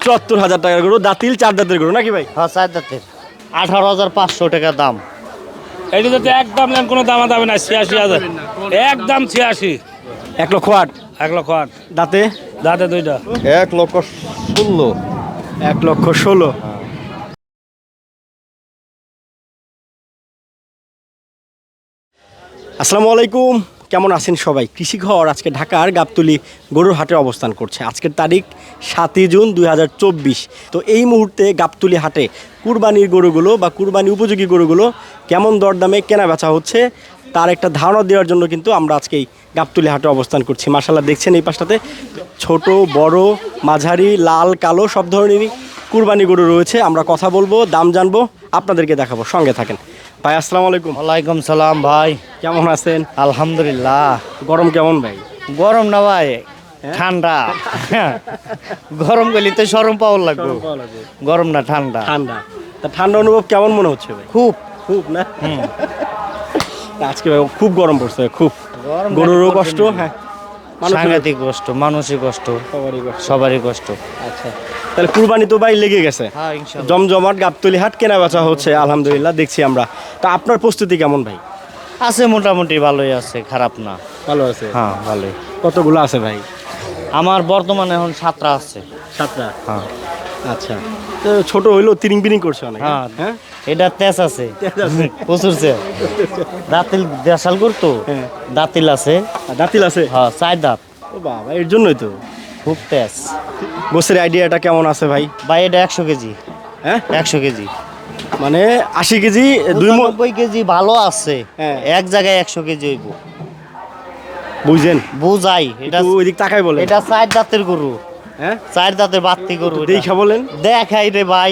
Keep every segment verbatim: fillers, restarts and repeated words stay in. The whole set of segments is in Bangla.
চুয়াত্তর হাজার টাকার গরু, দাঁতিল চার দাঁতের গরু নাকি ভাই? হ্যাঁ চার দাঁতের, আঠারো হাজার পাঁচশো টাকা দাম। এটা যদি একদম নেন কোনো দামা দামি না, ছিয়াশি হাজার একদম ছিয়াশি। এক লক্ষ আট। এক লক্ষ আট। দাঁতে? দাঁতে দুইটা। এক লক্ষ ষোলো। এক লক্ষ ষোলো। আসসালামু আলাইকুম, কেমন আছেন সবাই? কৃষি ঘর আজকে ঢাকার গাবতলী গরুর হাটে অবস্থান করছে। আজকের তারিখ সাতই জুন দুই হাজার চব্বিশ। তো এই মুহূর্তে গাবতলী হাটে কুরবানির গরুগুলো বা কুরবানি উপযোগী গরুগুলো কেমন দরদামে কেনা বেচা হচ্ছে তার একটা ধারণা দেওয়ার জন্য কিন্তু আমরা আজকে এই গাবতলী হাটে অবস্থান করছি। মাশাআল্লাহ দেখছেন এই পাশটাতে ছোট বড় মাঝারি লাল কালো সব ধরনেরই কুরবানি গরু রয়েছে। আমরা কথা বলবো, দাম জানবো, আপনাদেরকে দেখাবো, সঙ্গে থাকেন। ভাই আসসালামু আলাইকুম। ওয়ালাইকুম সালাম ভাই, কেমন আছেন? আলহামদুলিল্লাহ। গরম কেমন ভাই? গরম না ভাই, ঠান্ডা। গরম গেলে তো সরম পাওয়ার লাগবে, গরম না ঠান্ডা। ঠান্ডা। তা ঠান্ডা অনুভব কেমন মনে হচ্ছে ভাই? খুব খুব না? আজকে ভাই খুব গরম পড়ছে, খুব গরুরও কষ্ট, হ্যাঁ সাংঘাতিক কষ্ট, মানুষের কষ্ট, সবারই কষ্ট। সবারই কষ্ট। আচ্ছা, তাহলে কুরবানি তো ভাই লেগে গেছে, হ্যাঁ ইনশাআল্লাহ। জমজমাট গাবতলী হাট কেনা বেচা হচ্ছে আলহামদুলিল্লাহ দেখছি আমরা। তা আপনার প্রস্তুতি কেমন ভাই? আছে মোটামুটি ভালোই আছে, খারাপ না। ভালো আছে? হ্যাঁ ভালোই। কতগুলো আছে ভাই? আমার বর্তমানে এখন সাতটা আছে। সাতটা? হ্যাঁ আচ্ছা, তো ছোট হইলো তিরিং বিরিং করছে অনেক। হ্যাঁ হ্যাঁ এটা তেজ আছে, তেজ আছে। প্রচুর তেজ। দাঁতিল দেশাল করতো, হ্যাঁ। দাঁতিল আছে। আর দাঁতিল আছে? হ্যাঁ চার দাঁত, ও বাবা, এর জন্যই তো খুব তেজ। গোসের আইডিয়াটা কেমন আছে ভাই? ভাই এটা একশো কেজি, হ্যাঁ একশো কেজি, মানে আশি কেজি দুই মণ নব্বই কেজি ভালো আছে। হ্যাঁ। এক জায়গায় একশো কেজি হইব, বুঝছেন? বুঝাই। এটা একটু ওইদিক তাকাই বলেন। এটা চার দাঁতের গরু, হ্যাঁ চার দাঁতের বাত্তি গরু। এটা। দেখা বলেন। দেখাই রে ভাই,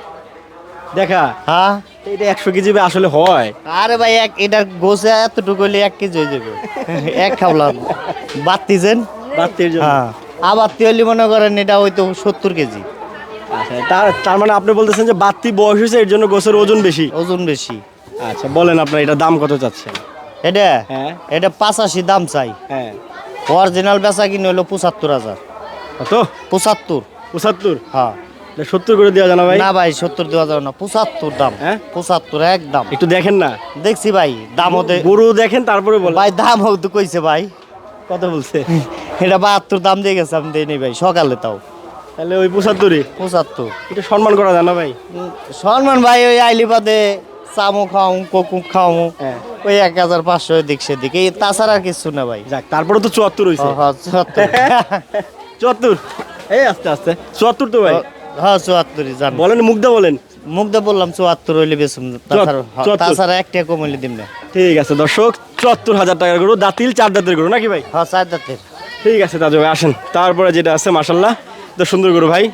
দেখা হ্যাঁ। এটা একশো কেজি আসলে হয়? আরে ভাই এক এটা গোছে এতটুকু হইলে এক কেজি হয়ে যাবে। এক খাওলাম বাত্তি যেন, বাত্তির জন্য। হ্যাঁ আবার তেলি মনে করেন এটা হয়তো সত্তর কেজি। আচ্ছা, তার তার মানে আপনি বলতেছেন যে বাত্তি বয়স হয়েছে এর জন্য গোসের ওজন বেশি। ওজন বেশি। আচ্ছা বলেন আপনার এটা দাম কত চাচ্ছেন? এটা হ্যাঁ এটা পাঁচাশি দাম চাই। হ্যাঁ। অরিজিনাল বেচা কিনে হলো পঁচাত্তর হাজার। কত? পঁচাত্তর। পঁচাত্তর? হ্যাঁ সত্তর করে দেওয়া জানা ভাই? না ভাই সত্তর দেওয়া যাবে না, পঁচাত্তর দাম। হ্যাঁ পঁচাত্তর একদম। একটু দেখেন না। দেখছি ভাই দাম হতে, গরু দেখেন তারপরে বলেন। ভাই দাম হতে কইছে ভাই, কত বলছে? এটা বাহাত্তর দাম দিয়ে গেছে, আমি দেই নি ভাই সকালে। তাও তাহলে ওই পঁচাত্তরই পঁচাত্তর। এটা সম্মান করা জানা ভাই? উম, সম্মান ভাই ওই আইলি বাদে চামো খাও কোকু খাও, হ্যাঁ। ওই এক হাজার পাঁচশো এদিক সেদিক, এই তাছাড়া আর কিছু না ভাই। যাক, তারপরে তো চুয়াত্তর হয়েছে। হ, হ, চুয়াত্তর। চুয়াত্তর? এই আস্তে আস্তে চুয়াত্তর তো ভাই। হ্যাঁ চুয়াত্তরই জান। বলেন, মুগ্ধা বলেন। মুগ্ধা বললাম চুয়াত্তর হইলে বেশি, তাছাড়া হ, চুয়াত্তর। তাছাড়া একটা কম হইলে দিম না। ঠিক আছে দর্শক, চুয়াত্তর হাজার টাকার গরু, দাঁতিল চার দাঁতের গরু নাকি ভাই? হ্যাঁ চার দাঁতের। ঠিক আছে তাজু ভাই, আসেন। তারপরে যেটা আছে মাশাল্লাহ তো সুন্দর গরু ভাই।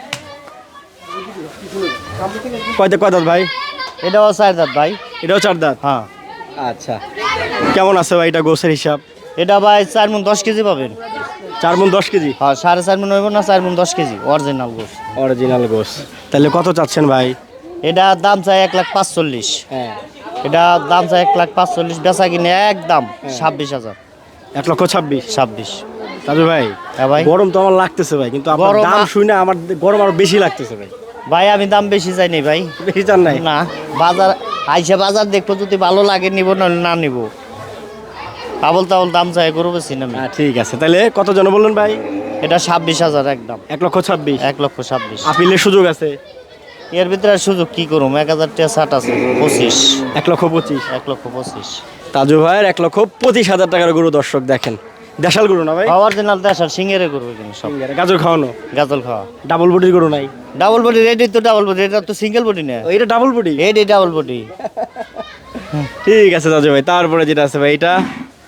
কয় দাঁত কয় দাঁত ভাই? এটাও চার দাঁত ভাই। এটাও চার দাঁত? হ্যাঁ আচ্ছা, কেমন আছে ভাই এটা গোছের হিসাব? এটা ভাই চার মন দশ কেজি পাবেন। চার মণ দশ কেজি? হ্যাঁ সাড়ে চার মন হইব না, চার মন দশ কেজি অরিজিনাল গোস। অরিজিনাল গোস। তাহলে কত চাচ্ছেন ভাই? এটা দাম চাই এক লাখ পাঁচচল্লিশ। হ্যাঁ। এটা দাম চাই এক লাখ পাঁচচল্লিশ, বেচা কিনে একদম ছাব্বিশ হাজার। এক লক্ষ ছাব্বিশ? ছাব্বিশ। তাজু ভাই হ্যাঁ ভাই। গরম তো আমার লাগতেছে ভাই, কিন্তু আপনার গরম দাম আ- শুনে আমার গরম আরো বেশি লাগতেছে ভাই। ভাই আমি দাম বেশি চাই নি ভাই। বেশি চান নাই? না, বাজার আইসা বাজার দেখবো, যদি ভালো লাগে নিব, নাহলে না নিব। আবল তাবল দাম চাই গরু বেশি না আমি। হ্যাঁ ঠিক আছে, তাহলে কত জন বললেন ভাই? এটা ছাব্বিশ হাজার একদম। এক লক্ষ ছাব্বিশ? এক লক্ষ ছাব্বিশ। আপিলের সুযোগ আছে? এর ভিতরে আর সুযোগ কি করুম, এক হাজার টাকা ষাট আছে, পঁচিশ। এক লক্ষ পঁচিশ? এক লক্ষ পঁচিশ। তাজু ভাইয়ের এক লক্ষ পঁচিশ হাজার টাকার গরু দর্শক দেখেন। দেশাল গরু না ভাই? অরিজিনাল দেশাল সিঙ্গেরে গরু এখানে সব। গাজর খাওয়ানো? গাজল খাওয়া। ডাবল বডির গরু নাই? ডাবল বডি রেডি তো, ডাবল বডি, এটা তো সিঙ্গেল বডি না, ও, এটা ডাবল বডি? এডি ডাবল বডি। ঠিক আছে তাজু ভাই, তারপরে যেটা আছে ভাই এটা?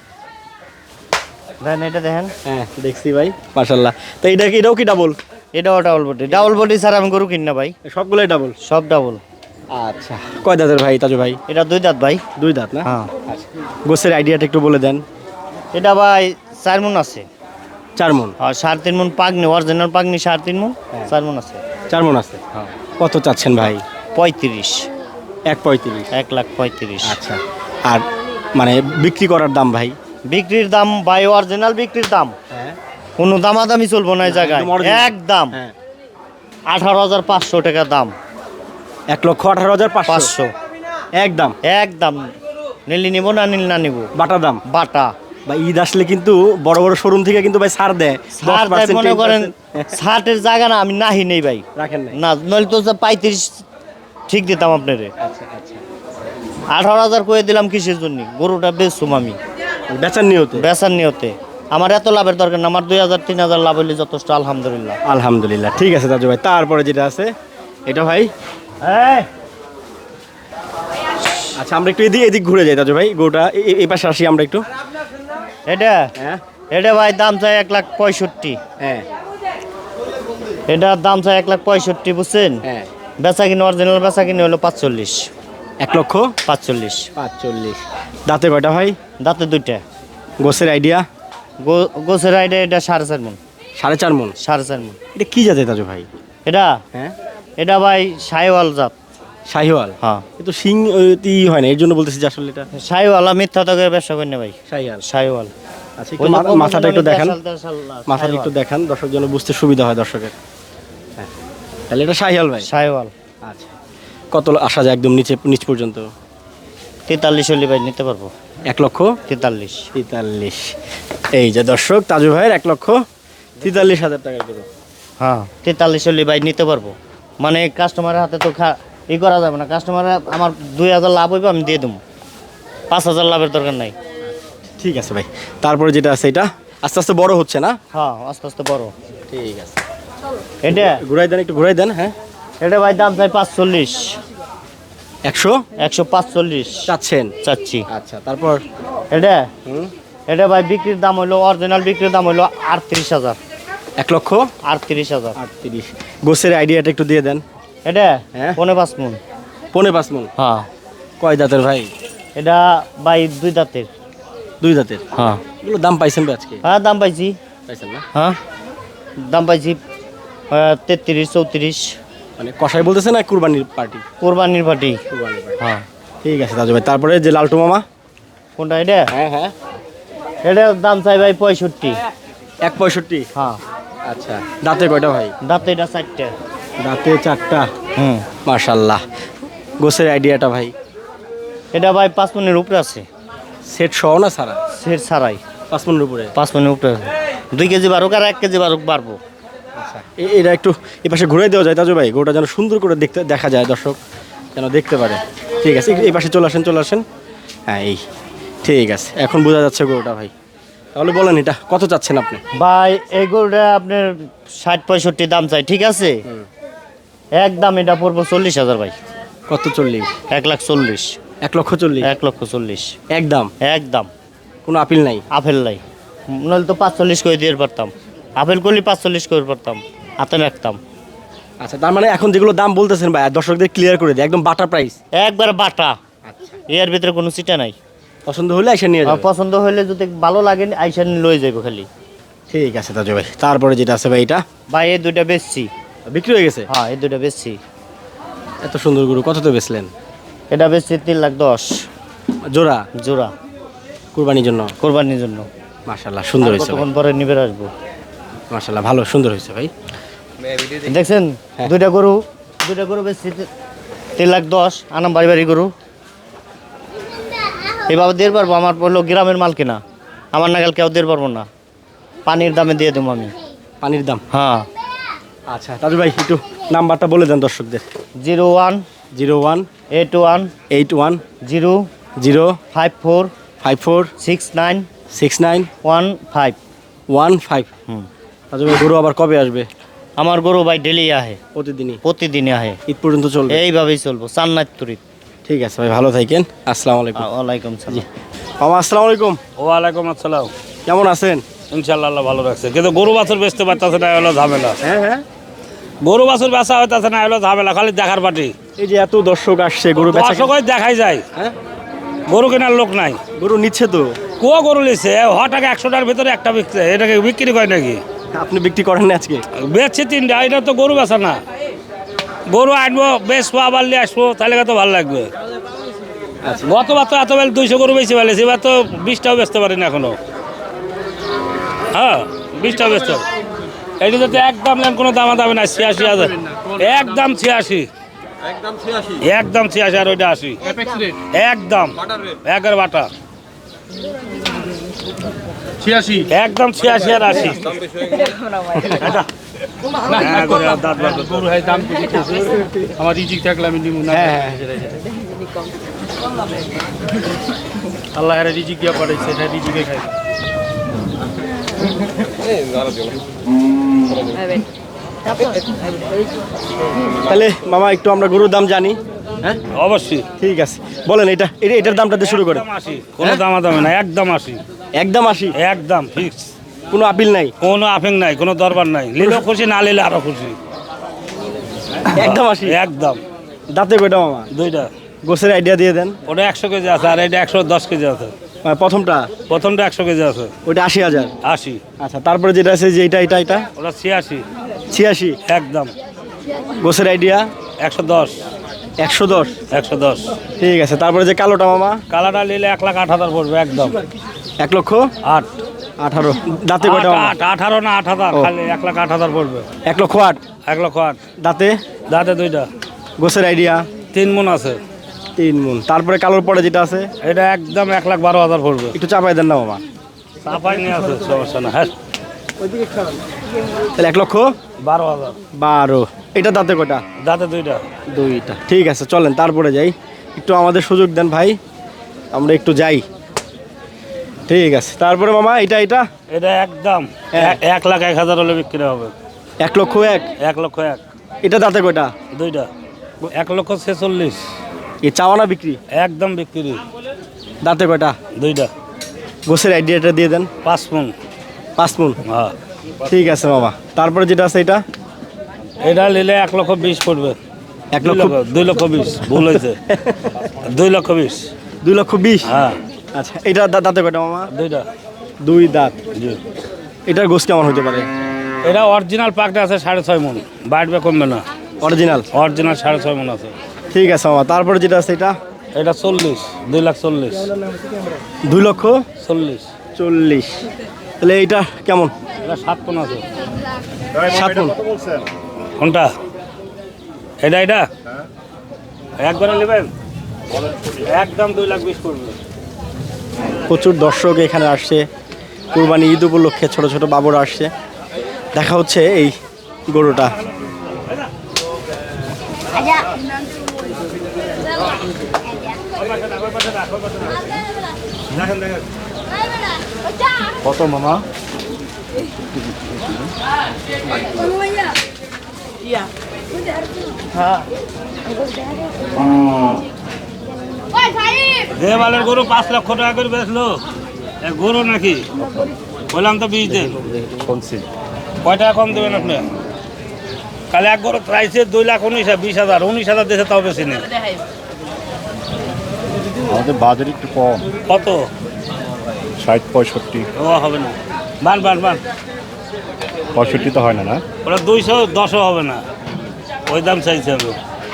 দেখেন এটা দেখেন, হ্যাঁ দেখছি ভাই মাশাল্লাহ। তো এটা কি, এটাও কি ডাবল? এটাও double body. Double body sir আমি গরু কিন না ভাই, সবগুলাই ডাবল? সব ডাবল। আচ্ছা, কয় দাঁতের ভাই তাজু ভাই? এটা দুই দাঁত ভাই। দুই দাঁত না? হ্যাঁ। আচ্ছা, গোছের আইডিয়াটা একটু বলে দেন। এটা ভাই চার মন আছে। চার মণ? আর সাড়ে তিন মন পাগনি, অরিজিনাল পাগনি সাড়ে তিন মন, চার মন আছে। চার মণ আছে? হ্যাঁ। কত চাচ্ছেন ভাই? পঁয়ত্রিশ। এক পঁয়ত্রিশ? এক লাখ পঁয়ত্রিশ। আচ্ছা, আর মানে বিক্রি করার দাম ভাই? বিক্রির দাম ভাই অরিজিনাল বিক্রির দাম হ্যাঁ। কোনো দামাদামি চলবো না এই জায়গায়, একদম original। একদম হ্যাঁ। আঠারো হাজার পাঁচশো টাকা দাম। এক লক্ষ আঠারো হাজার পাঁচশো পাঁচশো একদম একদম। নিলি নিব না নিল না নিব বাটা দাম। বাটা। বা ঈদ আসলে কিন্তু বড় বড় শোরুম থেকে কিন্তু ভাই ছাড় দেয় ছাড় দেয় মনে করেন, ষাটের জায়গা না আমি নাহি নেই ভাই, রাখেন নাই। না নইলে তো পঁয়ত্রিশ ঠিক দিতাম আপনারে। আচ্ছা আচ্ছা আঠারো হাজার করে দিলাম কিসের জন্য? গরুটা বেচছুম আমি বেচার নিয়তে। বেচার নিয়তে। আমার এত লাভের দরকার না, আমার দুই হাজার তিন হাজার লাভ হইলে যথেষ্ট আলহামদুলিল্লাহ। আলহামদুলিল্লাহ ঠিক আছে তাজু ভাই। তারপরে যেটা আছে এটা ভাই, এই, আচ্ছা আমরা একটু এদিক এদিক ঘুরে যাই তাজু ভাই, গোটা এই পাশে আসি আমরা একটু। এটা হ্যাঁ এটা ভাই দাম চাই এক লাখ পঁয়ষট্টি। হ্যাঁ এটার দাম চাই এক লাখ পঁয়ষট্টি, বুঝছেন? হ্যাঁ বেচা কিনে অরিজিনাল বেচা কিনে হলো পাঁচচল্লিশ। এক লক্ষ পাঁচচল্লিশ। পাঁচচল্লিশ। দাঁতে কয়টা ভাই? দাঁতে দুইটা। গোসের আইডিয়া? গো- গোছের আইডা এটা সাড়ে চার মন। সাড়ে চার মন। সাড়ে চার মন। এটা কি জাতে তাজু ভাই? এটা হ্যাঁ এটা ভাই সাইওয়াল জাত। শাহিওয়াল। হ্যাঁ কিন্তু সিং ই হয় না, এর জন্য বলতেছি যে আসলে এটা সাইওয়ালা মিথ্যা তো করে ব্যবসা করি না ভাই। শাহিওয়াল। সাইওয়াল। আচ্ছা একটু মা- মাথাটা একটু দেখান, মাথাটা একটু সাইওয়াল। দেখান দর্শক যেন বুঝতে সুবিধা হয় দর্শকের। হ্যাঁ তাহলে এটা শাহিওয়াল ভাই। সাইওয়াল। আচ্ছা কত আসা যায় একদম নিচে নিচ পর্যন্ত? তেতাল্লিশ হলে ভাই নিতে পারবো। এক লক্ষ তেতাল্লিশ। তেতাল্লিশ। এই যে দর্শক তাজু ভাইয়ের এক লক্ষ তেতাল্লিশ হাজার টাকা করে। হ্যাঁ তেতাল্লিশ হলে ভাই নিতে পারবো। মানে কাস্টমারের হাতে তো খা ই করা যাবে না, কাস্টমারের আমার দুই হাজার লাভ হইবে আমি দিয়ে দেবো, পাঁচ হাজার লাভের দরকার নাই। ঠিক আছে ভাই। তারপরে যেটা আছে এটা আস্তে আস্তে বড় হচ্ছে না? হ্যাঁ আস্তে আস্তে বড়। ঠিক আছে এটা ঘুরাই দেন একটু ঘুরাই দেন। হ্যাঁ এটা ভাই দাম চাই পাঁচচল্লিশ। একশো একশো পাঁচচল্লিশ চাচ্ছেন? চাচ্ছি। আচ্ছা তারপর এটা হুম এটা ভাই বিক্রির দাম হইলো, অরিজিনাল বিক্রির দাম হইলো আটত্রিশ হাজার। এক লক্ষ আটত্রিশ হাজার। আটত্রিশ। গোসের আইডিয়াটা একটু দিয়ে দেন। এটা হ্যাঁ। পনেরো পাঁচ মন। পৌনে পাঁচ মন। হ্যাঁ কয় দাঁতের ভাই? এটা ভাই দুই দাঁতের। দুই দাঁতের। হ্যাঁ এগুলো দাম পাইছেন ভাই আজকে? হ্যাঁ দাম পাইছি। পাইছেন না? হ্যাঁ দাম পাইছি তেত্রিশ চৌত্রিশ। মানে কষাই বলতেছে না কুরবানির পার্টি? কোরবানির পাটি। কুরবানির পার্টি। হ্যাঁ ঠিক আছে তাজু ভাই। তারপরে যে লালটু মামা? কোনটা এটা? হ্যাঁ হ্যাঁ এটা দাম চাই ভাই পঁয়ষট্টি। এক পঁয়ষট্টি। হ্যাঁ আচ্ছা দাঁতে কয়টা ভাই? দাঁতে এটা চারটে। দাঁতে চারটা। হুম মাশাল্লাহ। গোসের আইডিয়াটা ভাই? এটা ভাই পাঁচ মনের উপরে আছে। সেট সহ না সারা? সেট ছাড়াই পাঁচ মনের উপরে। পাঁচ মনের উপরে আছে। দুই কেজি বারুক আর এক কেজি বারুক বাড়বো। আচ্ছা এ- এটা একটু এ পাশে ঘুরে দেওয়া যায় তাজু ভাই, গোটা যেন সুন্দর করে দেখতে দেখা যায়, দর্শক যেন দেখতে পারে। ঠিক আছে এই পাশে চলে আসেন চলে আসেন। হ্যাঁ এই ঠিক আছে এখন বোঝা যাচ্ছে গরুটা ভাই। তাহলে বলেন এটা কত চাচ্ছেন আপনি? ভাই এই গরুটা আপনার ষাট পঁয়ষট্টি দাম চাই, ঠিক আছে? একদম এটা পড়বো চল্লিশ হাজার ভাই। কত? চল্লিশ? এক লাখ চল্লিশ। এক লক্ষ চল্লিশ? এক লক্ষ চল্লিশ একদম? একদম। কোনো আপিল নাই? আপেল নাই, নইলে তো পাঁচচল্লিশ করে দিয়ে পারতাম। আপেল করলে পাঁচচল্লিশ করে পারতাম, হাতে রাখতাম। আচ্ছা তার মানে এখন যেগুলো দাম বলতেছেন ভাই দর্শকদের ক্লিয়ার করে দিই, একদম বাটা প্রাইস? একবার বাটা, আচ্ছা এর ভিতরে কোনো চিটা নাই। পছন্দ হলে এসে নিয়ে আমার যাবেন। পছন্দ হইলে যদি ভালো লাগে আইসা লয়ে যাবো খালি। ঠিক আছে তাজু ভাই। তারপরে যেটা আছে ভাই এটা ভাই এই দুইটা বেচছি। বিক্রি হয়ে গেছে? হ্যাঁ এই দুইটা বেচছি। এত সুন্দর গরু কত তো বেচলেন? এটা বেচছি তিন লাখ দশ জোড়া জোড়া, কুরবানির জন্য? কোরবানির জন্য। মাশাল্লাহ সুন্দর আর হয়েছে ভাই। কতক্ষণ পরে নিবে আসবো। মাশাল্লাহ ভালো সুন্দর হয়েছে ভাই। দেখছেন দুইটা গরু, দুইটা গরু বেচছি তি- তিন লাখ দশ। আনাম বাড়ি বাড়ি গরু এভাবে দিয়ে পারবো। আমার বললো গ্রামের মাল কিনা, আমার নাগাল কেউ দিয়ে পারবো না। পানির দামে দিয়ে দেবো আমি। পানির দাম? হ্যাঁ আচ্ছা তাজু ভাই একটু নাম্বারটা বলে দেন দর্শকদের। Zero one zero one eight one eight one zero zero five four five four six nine six nine one five. One five. হুম তাজু ভাই গরু আবার কবে আসবে? আমার গরু ভাই ডেলি আহে, প্রতিদিনই? প্রতিদিনই আহে। ঈদ পর্যন্ত চলবে? এইভাবেই চলবো চান্নাত তুরিত। ঠিক আছে ভাই ভালো থাকেন। আসসালামু আলাইকুম। ওয়ালাইকুম সালাম। মামা আসসালামু আলাইকুম। ওয়ালাইকুম আসসালাম। কেমন আছেন? ইনশাল্লাহ আল্লাহ ভালো রাখছে, কিন্তু গরু বাছুর বেচতে পারতেছে না, হলো ঝামেলা। হ্যাঁ হ্যাঁ গরু বাছুর বেচা হইতেছে না, হলো ঝামেলা, খালি দেখার পাটি। এই যে এত দর্শক আসছে গরু বেচা দর্শক ওই দেখাই যায়, হ্যাঁ গরু কেনার লোক নাই। গরু নিচ্ছে তো? কো গরু লিছে হ টাকা একশোটার ভিতরে একটা বিকছে, এটাকে বিক্রি করে নাকি? আপনি বিক্রি করেন না আজকে? বেচছে তিনটা, এটা তো গরু বেচা না। গরু আনবো বেচবো আবার নিয়ে আসবো, তাহলে তো ভালো লাগবে। আচ্ছা গতবার তো এত বেলা দুইশো গরু বেশি ফেলেছি, এবার তো বিশটাও বেচতে পারি না এখনো। হ্যাঁ বিশটাও বেচতে পারি। এইটা যদি একদম নেন কোনো দামা দামি না ছিয়াশি হাজার একদম ছিয়াশি একদম ছিয়াশি আর ওইটা আশি একদম একের বাটা ছিয়াশি একদম ছিয়াশি আর আশি হ্যাঁ, করে আর দাঁত বার করতে গরু হয় দাম বেশি কইছে। আমার রিজিক থাকলে আমি নিব না হ্যাঁ হ্যাঁ আল্লাহ এর রিজিক দিয়া পাঠাইছে এটা রিজিকে খাই তাহলে মামা একটু আমরা গরুর দাম জানি। হ্যাঁ অবশ্যই ঠিক আছে, বলেন এটা এটা- এটার দামটা দিয়ে শুরু করে। একদম আশি কোনো দামা দামি না একদম আশি একদম আশি, একদম ফিক্স কোনো আপিল নাই, কোনো আফিং নাই কোনো দরবার নাই নিলেও খুশি না নিলে আরো খুশি একদম আশি। একদম দাঁতে কয়টা মামা? দুইটা গোছের আইডিয়া দিয়ে দেন। ওটা একশো কেজি আছে আর এটা একশো দশ কেজি আছে মানে প্রথমটা প্রথমটা একশো কেজি আছে ওইটা আশি হাজার। আশি আচ্ছা, তারপরে যেটা আছে যে এটা এটা এটা ওটা ছিয়াশি ছিয়াশি। একদম গোছের আইডিয়া একশো দশ একশো দশ। একশো দশ ঠিক আছে, তারপরে যে কালোটা মামা কালারটা নিলে এক লাখ আট হাজার পড়বে একদম এক লক্ষ আট আঠারো। দাঁতে আট, কয়টা মামা? আট আঠারো না আট হাজার ও। খালি এক লাখ আট হাজার পড়বে এক লক্ষ আট। এক লক্ষ আট দাঁতে দাঁতে দুইটা গোছের আইডিয়া তিন মন আছে তিন মন। তারপরে কালোর পরে যেটা আছে এটা একদম এক লাখ বারো হাজার পড়বে একটু চাপাই দেন না মামা। চাপাই নিয়ে আছে সমস্যা না হ্যাঁ তাহলে এক লক্ষ বারো হাজার বারো। এটা দাঁতে কয়টা? দাঁতে দুইটা দুইটা। ঠিক আছে, চলেন তারপরে যাই। একটু আমাদের সুযোগ দেন ভাই, আমরা একটু যাই। ঠিক আছে, তারপরে মামা এটা এটা এটা একদম হ্যাঁ। এ- এক লাখ এক হাজার হলে বিক্রি হবে এক লক্ষ এক। এক লক্ষ এক এটা দাঁতে কয়টা? দুইটা এক লক্ষ ছেচল্লিশ এ চাওয়ানা বিক্রি? একদম বিক্রি দাঁতে কয়টা? দুইটা গোছের আইডিয়াটা দিয়ে দেন। পাঁচ মন পাঁচ মন। হ্যাঁ ঠিক আছে মামা, তারপরে যেটা আছে এটা এটা নিলে এক লক্ষ বিশ পড়বে এক দুই লক্ষ লক্ষ দুই লক্ষ বিশ ভুল হয়েছে দুই লক্ষ বিশ দুই লক্ষ বিশ। হ্যাঁ আচ্ছা, এটা দা- দাঁতে কয়টা মামা? দুইটা দুই দাঁত। জি এটার গোছ কেমন হতে পারে? এটা অরিজিনাল পাকটা আছে সাড়ে ছয় মন বাড়বে কমবে না অরিজিনাল। অরিজিনাল সাড়ে ছয় মন আছে ঠিক আছে মামা, তারপরে যেটা আছে এটা এটা চল্লিশ দুই লাখ চল্লিশ দুই লক্ষ চল্লিশ চল্লিশ। তাহলে এইটা কেমন? এটা সাত মন আছে সাত মন। কোনটা এটা এটা একবারে নেবেন একদম দুই লাখ বিশ পড়বে প্রচুর দর্শক এখানে আসছে, কুরবানি ঈদ উপলক্ষে ছোট ছোট বাবুরা আসছে। দেখা হচ্ছে এই গরুটা। কত মামা? দেওয়ালের গরু পাঁচ লক্ষ টাকা করে বেচলো এ গরু নাকি বললাম তো বিশ দেন কয় টাকা কম দেবেন আপনি কালে এক গরু প্রাইসে দুই লাখ উনিশ বিশ হাজার উনিশ হাজার দেশে তাও বেশি নেই আমাদের বাজার একটু কম, কত ষাট পঁয়ষট্টি। ও হবে না বান বান বান পঁয়ষট্টি তো হয় না না? ওটা দুইশো দশও হবে না ওই দাম চাইছে আমি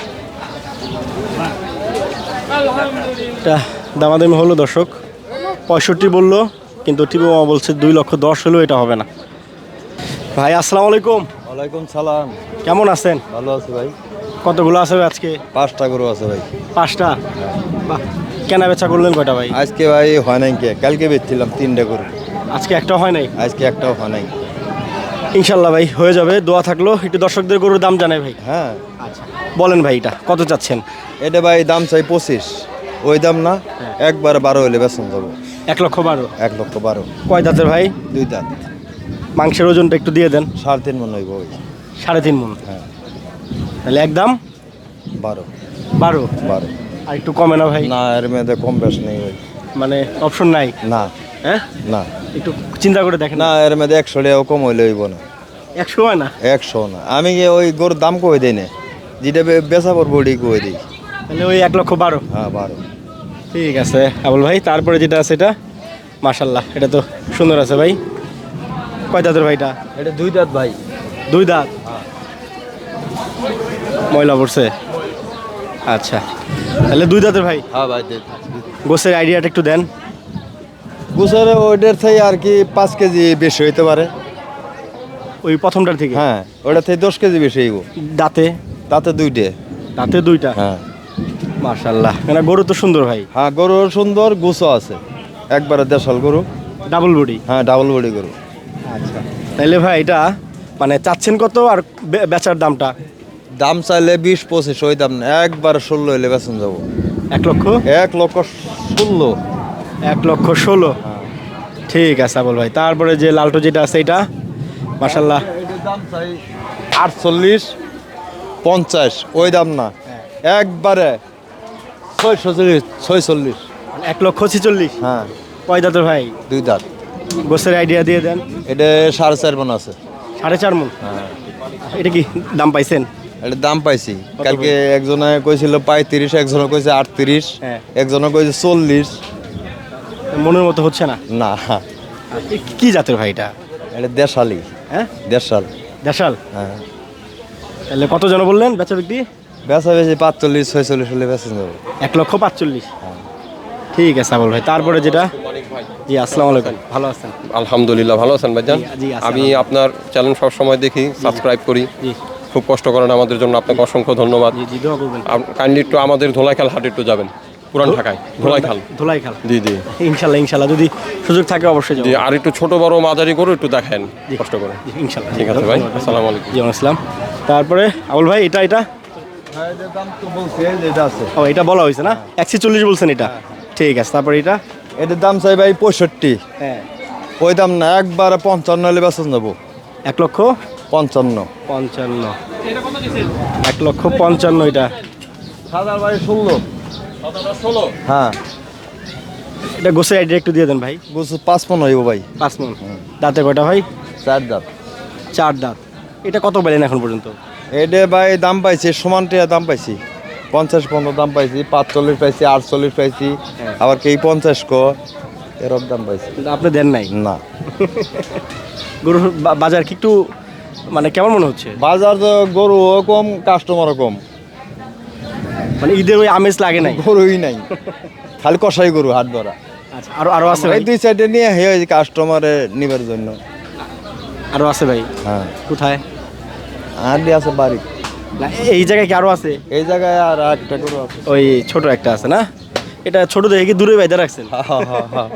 এটা দামাদামি হলো দর্শক, পঁয়ষট্টি বললো, কিন্তু টিপু মামা বলছে দুই লক্ষ দশ হলেও এটা হবে না। ভাই আসসালামু আলাইকুম, ওয়ালাইকুম সালাম, কেমন আছেন? ভালো আছি ভাই। কতগুলো আছে ভাই আজকে? পাঁচটা গরু আছে ভাই। পাঁচটা। বাহ, কেনা বেচা করলেন কয়টা ভাই? আজকে ভাই হয় নাই কে, কালকে বেচছিলাম তিনটে গরু, আজকে একটাও হয় নাই। আজকে একটাও হয় নাই। ইনশাল্লাহ ভাই হয়ে যাবে, দোয়া থাকলো। একটু দর্শকদের গরুর দাম জানাই ভাই। হ্যাঁ, আচ্ছা বলেন ভাই, এটা কত চাচ্ছেন? এটা ভাই দাম চাই পঁচিশ, ওই দাম না, একবার বারো হলে বেতন যাবো। এক লক্ষ বারো। এক লক্ষ বারো। কয় দাঁতের ভাই? দুই দাঁত, মাংসের ওজনটা একটু দিয়ে দেন। সাড়ে তিন মন হইব ওই। সাড়ে তিন মন। হ্যাঁ, তাহলে একদম বারো বারো। বারো। আর একটু কমে না ভাই? না, এর মেয়েদে কম বেশ নেই ভাই। মানে অপশন নাই? না হ্যাঁ, না একটু চিন্তা করে দেখেন। না, এর মেয়েদে একশো টাকাও কম হইলে হইব না। একশো হয় না? একশো না, আমি গিয়ে ওই গরুর দাম কই দিই না, যেটা বে- বেচা পড়বো ওটাই কই দিই। তাহলে ওই এক লক্ষ বারো। হ্যাঁ, বারো। ঠিক আছে আবুল ভাই, তারপরে যেটা আছে এটা মাশাল্লাহ, এটা তো সুন্দর আছে ভাই। কয় দাঁতের ভাইটা? এটা দুই দাঁত ভাই। দুই দাঁত। ময়লা পড়ছে। আচ্ছা, তাহলে দুই দাঁতের ভাই। হ্যাঁ ভাই, গোসের আইডিয়াটা একটু দেন। গুছারে ওইটার থেকে আর কি পাঁচ কেজি বেশি হইতে পারে। ওই প্রথমটার থেকে হ্যাঁ ওটা থেকে দশ কেজি বেশি হইব দাঁতে তাতে দুইটে দাঁতে দুইটা হ্যাঁ মাশাআল্লাহ মানে গরু তো সুন্দর ভাই হ্যাঁ গরু সুন্দর গুছও আছে একবারে দেশাল গরু ডাবল বডি হ্যাঁ ডাবল বডি গরু আচ্ছা তাইলে ভাই এটা মানে চাচ্ছেন কত আর বে- বেচার দামটা দাম চাইলে বিশ পঁচিশ ওই দাম না একবারে ষোলো হইলে বেতন যাবো এক লক্ষ এক লক্ষ ষোলো এক লক্ষ ষোলো ঠিক আছে আবুল ভাই তারপরে যে লালটো যেটা আছে এটা মাশাআল্লাহ দাম চাই আটচল্লিশ পঞ্চাশ ওই দাম না একবারে ছয়শো চল্লিশ ছয়চল্লিশ এক লক্ষ ছিচল্লিশ হ্যাঁ কয় দাঁতের ভাই দুই দাঁত গোসের আইডিয়া দিয়ে দেন এটা সাড়ে চার মন আছে সাড়ে চার মন হ্যাঁ এটা কি দাম পাইছেন এটা দাম পাইছি কালকে একজনে কইছিল পঁয়ত্রিশ একজনে কইছে আটত্রিশ হ্যাঁ। একজনে কইছে চল্লিশ মনের মতো হচ্ছে না না এ কি জাতের ভাই এটা এটা দেশালি হ্যাঁ দেশাল দেশাল হ্যাঁ তাহলে কত জন বললেন বেচা বিক্রি বেচা বেশি পাঁচচল্লিশ ছয়চল্লিশ হলে বেচা যাবো এক লক্ষ পাঁচচল্লিশ ঠিক আছে আবুল ভাই তারপরে যেটা জি আসসালামু আলাইকুম ভালো আছেন আলহামদুলিল্লাহ ভালো আছেন ভাইজান জি, জি, আছি, আমি আপনার চ্যানেল সব সময় দেখি সাবস্ক্রাইব করি জি খুব কষ্ট করেন আমাদের জন্য আপনাকে অসংখ্য ধন্যবাদ জি জি দোয়া করবেন কাইন্ডলি একটু আমাদের ধোলাইখাল হাটে একটু যাবেন পুরান ঢাকায় ধোলাইখাল ধোলাই খাল জি জি ইনশাল্লাহ ইনশাল্লাহ যদি সুযোগ থাকে অবশ্যই যাবো জি আর একটু ছোট বড় মাঝারি করে একটু দেখেন জি। কষ্ট করে জি, ইনশাল্লাহ ঠিক আছে ভাই আসসালামু আলাইকুম জি আসসালাম তারপরে আবুল ভাই এটা এটা দাম তো বলছি এটা আছে ও এটা বলা হয়েছে না একশো চল্লিশ বলছেন এটা ঠিক আছে তারপরে এটা এটার দাম চাই ভাই পঁয়ষট্টি হ্যাঁ ওই দাম না একবারে পঞ্চান্ন হলে বেচন যাবো এক লক্ষ পঞ্চান্ন পঞ্চান্ন এক লক্ষ পঞ্চান্ন এটা সাদার ভাই ষোলো ষোলো হ্যাঁ এটা গোসের আইডিয়া একটু দিয়ে দেন ভাই বুঝছো পাঁচ পন হইব ভাই পাঁচ মন দাঁতে কয়টা ভাই চার দাম চার দাঁত এটা কত পেলেন এখন পর্যন্ত এটা ভাই দাম পাইছি সমান টিয়া দাম পাইছি পঞ্চাশ পনেরো দাম পাইছি পাঁচচল্লিশ পাইছি আটচল্লিশ পাইছি আবার কি পঞ্চাশ ক এরকম দাম পাইছি কিন্তু আপনি দেন নাই না গরুর বা- বাজার কি একটু মানে কেমন মনে হচ্ছে বাজার তো গরুও কম কাস্টমারও কম মানে ঈদের ওই আমেজ লাগে নাই গরুই নাই খালি কষাই গরু হাট ধরা আচ্ছা আরো আরো আছে ভাই এই দুই সাইডে নিয়ে হে কাস্টমারে নিবার জন্য আরো আছে ভাই হ্যাঁ কোথায় আর আছে বাড়ি না এই জায়গায় কি আরো আছে এই জায়গায় আর একটা গরু আছে ওই ছোট একটা আছে না এটা ছোট দেখে কি দূরে বাইদা রাখছেন হা হা হা হা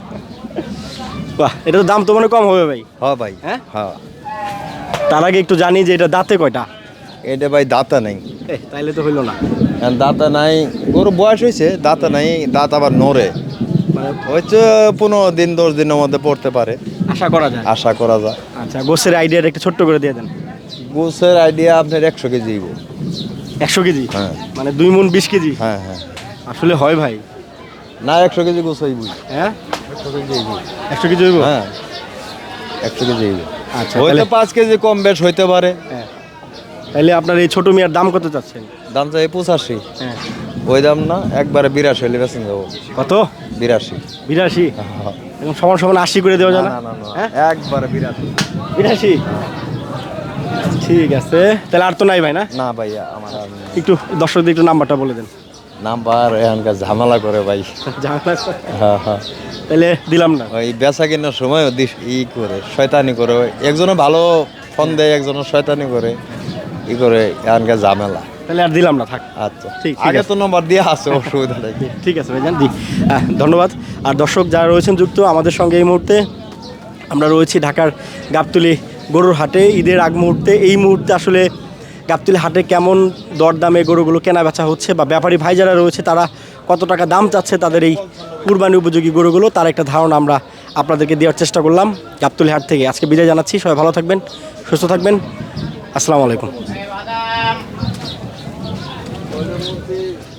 বাহ এটা তো দাম তো মানে কম হবে ভাই হ্যাঁ ভাই হ্যাঁ? হ্যাঁ তার আগে একটু জানি যে এটা দাঁতে কয়টা এটা ভাই দাঁতা নাই এ, তাইলে তো হইলো না আর দাঁতা নাই গরু বয়স হয়েছে দাঁতা নাই দাঁত আবার নড়ে মানে হয়তো পনেরো দিন দশ দিনের মধ্যে পড়তে পারে আশা করা যায় আশা করা যায় আচ্ছা গোসের আইডিয়াটা একটু ছোট্ট করে দিয়ে দেন গোসের আইডিয়া আপনার একশো কেজি হইব। একশো কেজি হ্যাঁ মানে দুই মন বিশ কেজি হ্যাঁ হ্যাঁ আসলে হয় ভাই না একশো কেজি গোস হইব হ্যাঁ একশো কেজি হইব। একশো কেজি হইব হ্যাঁ একশো কেজি হইব। আচ্ছা হয়তো তাহলে পাঁচ কেজি কম বেশ হইতে পারে হ্যাঁ তাহলে আপনার এই ছোট মিয়ার দাম কত চাচ্ছেন দাম চাই পঁচাশি হ্যাঁ ওই দাম না একবারে বিরাশি হইলে বেছেন যাবো কত বিরাশি বিরাশি এখন সমান সমান আশি করে দেওয়া যায় না হ্যাঁ একবারে বিরাশি বিরাশি ঠিক আছে তাহলে আর তো নাই ভাই না না ভাইয়া আমার আর নেই। একটু দর্শকদের একটু নাম্বারটা বলে দেন নাম্বার এখানকার ঝামেলা করে ভাই ঝামেলা আছে? হ্যাঁ হ্যাঁ তাহলে দিলাম না ওই বেচা কেনার সময় ই করে শয়তানি করে একজনে ভালো ফোন দেয় একজনে শয়তানি করে ই করে এখানকার ঝামেলা তাহলে আর দিলাম না থাক আচ্ছা ঠিক, ঠিক আগে আছে। তো নম্বর দিয়ে আছে অসুবিধা নেই ঠিক আছে ভাইজান জি আহ, ধন্যবাদ আর দর্শক যারা রয়েছেন যুক্ত আমাদের সঙ্গে এই মুহূর্তে আমরা রয়েছি ঢাকার গাবতলী গরুর হাটে ঈদের আগ মুহূর্তে এই মুহূর্তে আসলে গাবতলী হাটে কেমন দরদামে গরুগুলো কেনা বেচা হচ্ছে বা ব্যাপারী ভাই যারা রয়েছে তারা কত টাকা দাম চাচ্ছে তাদের এই কুরবানি উপযোগী গরুগুলো তার একটা ধারণা আমরা আপনাদেরকে দেওয়ার চেষ্টা করলাম গাবতলী হাট থেকে আজকে বিদায় জানাচ্ছি সবাই ভালো থাকবেন সুস্থ থাকবেন আসসালামু আলাইকুম